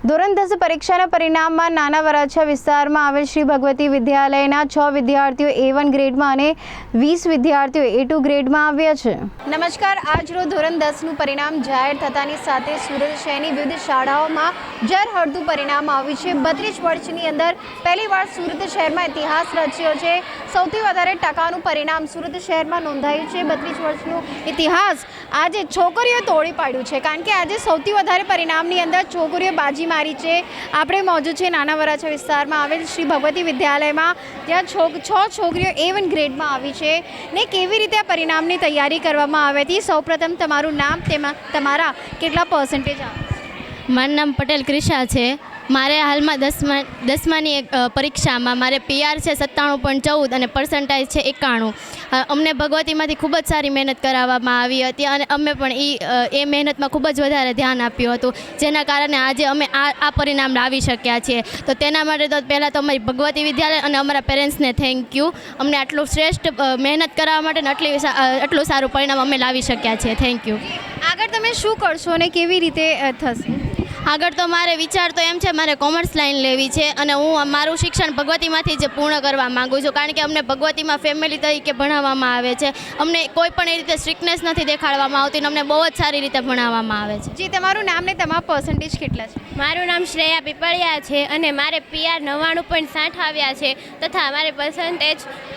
ધોરણ 10 પરીક્ષાના પરિણામમાં નાના વરાછા વિસ્તારમાં આવેલ શ્રી ભગવતી વિદ્યાલયના 6 વિદ્યાર્થીઓ A1 ગ્રેડમાં અને 20 વિદ્યાર્થીઓ A2 ગ્રેડમાં આવ્યા છે. નમસ્કાર. આજરોજ ધોરણ 10નું પરિણામ જાહેર થતાની સાથે સુરત શહેરની વિવિધ શાળાઓમાં ઝળહળતું પરિણામ આવ્યું છે. 32 વર્ષની અંદર પહેલીવાર સુરત શહેરમાં ઇતિહાસ રચ્યો છે. સૌથી વધારે ટકાનું પરિણામ સુરત શહેરમાં નોંધાયું છે. 32 વર્ષનું ઇતિહાસ આજે છોકરીઓ તોડી પાડ્યું છે, કારણ કે આજે સૌથી વધારે પરિણામની અંદર છોકરીઓ બાજી મારી છે. આપણે મોજૂદ છે નાના વરાછા વિસ્તારમાં આવેલ શ્રી ભગવતી વિદ્યાલયમાં, જ્યાં 6 છોકરીઓ A1 ગ્રેડમાં આવી છે. ને કેવી રીતે આ પરિણામની તૈયારી કરવામાં આવી હતી? સૌપ્રથમ તમારું નામ, તેમાં તમારા કેટલા પર્સન્ટેજ આવે? મારું નામ પટેલ ક્રિશા છે. મારે હાલમાં દસમાની પરીક્ષામાં મારે PR છે 97.14 અને પર્સન્ટાઇજ છે 91. અમને ભગવતીમાંથી ખૂબ જ સારી મહેનત કરાવવામાં આવી હતી અને અમે પણ એ મહેનતમાં ખૂબ જ વધારે ધ્યાન આપ્યું હતું, જેના કારણે આજે અમે આ પરિણામ લાવી શક્યા છીએ. તો તેના માટે તો પહેલાં તો અમારી ભગવતી વિદ્યાલય અને અમારા પેરેન્ટ્સને થેન્ક યુ. અમને આટલું શ્રેષ્ઠ મહેનત કરાવવા માટે આટલું સારું પરિણામ અમે લાવી શક્યા છીએ. Thank you. આગળ તમે શું કરશો અને કેવી રીતે થશે? આગળ તો મારે વિચાર તો એમ છે, મારે કોમર્સ લાઈન લેવી છે અને હું મારું શિક્ષણ ભગવતીમાંથી જ પૂર્ણ કરવા માગું છું, કારણ કે અમને ભગવતીમાં ફેમિલી તરીકે ભણાવવામાં આવે છે. અમને કોઈ પણ એ રીતે સ્ટ્રિક્ટનેસ નથી દેખાડવામાં આવતી અને અમને બહુ જ સારી રીતે ભણાવવામાં આવે છે. જી, તમારું નામ ને તમારા પર્સન્ટેજ કેટલા છે? મારું નામ શ્રેયા પીપળિયા છે અને મારે PR 99.60 આવ્યા છે તથા મારે પર્સન્ટેજ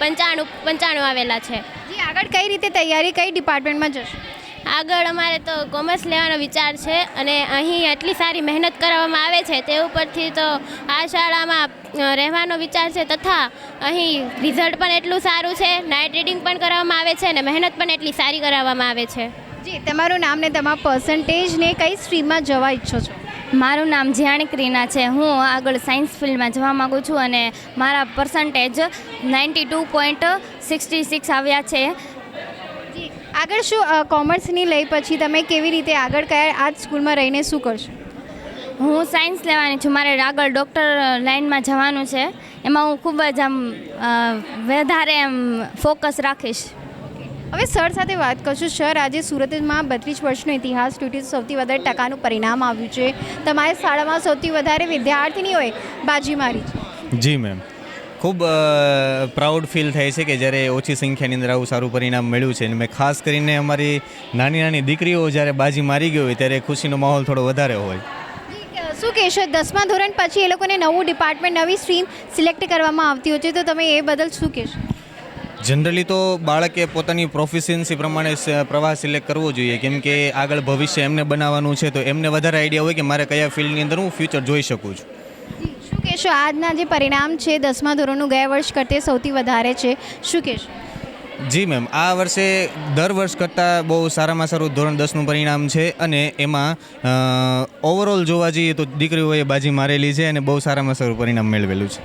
95 આવેલા છે. જી, આગળ કઈ રીતે તૈયારી, કઈ ડિપાર્ટમેન્ટમાં જશો? આગળ અમારે તો કોમર્સ લેવાનો વિચાર છે અને અહીં આટલી સારી મહેનત કરવામાં આવે છે તે ઉપરથી તો આ શાળામાં રહેવાનો વિચાર છે તથા અહીં રિઝલ્ટ પણ એટલું સારું છે, નાઇટ રીડિંગ પણ કરવામાં આવે છે અને મહેનત પણ એટલી સારી કરાવવામાં આવે છે. જી, તમારું નામ ને તમારા પર્સન્ટેજ ને કઈ સ્ટ્રીમમાં જવા ઈચ્છો છો? મારું નામ જ્યાણી ક્રીના છે. હું આગળ સાયન્સ ફિલ્ડમાં જવા માગું છું અને મારા પર્સન્ટેજ 92.66 આવ્યા છે. આગળ શું કોમર્સની લઈ પછી તમે કેવી રીતે આગળ કયા આ જ સ્કૂલમાં રહીને શું કરશો? હું સાયન્સ લેવાની છું. મારે આગળ ડૉક્ટર લાઇનમાં જવાનું છે. એમાં હું ખૂબ જ વધારે ફોકસ રાખીશ. હવે સર સાથે વાત કરશું. સર, આજે સુરતમાં 32 વર્ષનો ઇતિહાસ તૂટી સૌથી વધારે ટકાનું પરિણામ આવ્યું છે. તમારી શાળામાં સૌથી વધારે વિદ્યાર્થીનીઓએ બાજી મારી છે. જી મેમ, ખૂબ પ્રાઉડ ફીલ થાય છે કે જ્યારે ઓછી સંખ્યાની અંદર આવું સારું પરિણામ મળ્યું છે. અને મેં ખાસ કરીને અમારી નાની દીકરીઓ જ્યારે બાજી મારી ગઈ હોય ત્યારે ખુશીનો માહોલ થોડો વધારે હોય. શું કહેશો? 10મા ધોરણ પછી એ લોકોને નવું ડિપાર્ટમેન્ટ, નવી સ્ટ્રીમ સિલેક્ટ કરવામાં આવતી હોય છે, તો તમે એ બદલ શું કહેશો? જનરલી તો બાળકે પોતાની પ્રોફિશિયન્સી પ્રમાણે પ્રવાહ સિલેક્ટ કરવો જોઈએ, કેમ કે આગળ ભવિષ્ય એમને બનાવવાનું છે, તો એમને વધારે આઈડિયા હોય કે મારે કયા ફિલ્ડની અંદર હું ફ્યુચર જોઈ શકું છું. શું કહેશો? આજના જે પરિણામ છે 10મા ધોરણનું ગયા વર્ષ કરતાં સૌથી વધારે છે, શું કહેશો? જી મેમ, આ વર્ષે દર વર્ષ કરતાં બહુ સારામાં સારું ધોરણ 10નું પરિણામ છે અને એમાં ઓવરઓલ જોવા જઈએ તો દીકરીઓએ બાજી મારેલી છે અને બહુ સારામાં સારું પરિણામ મેળવેલું છે.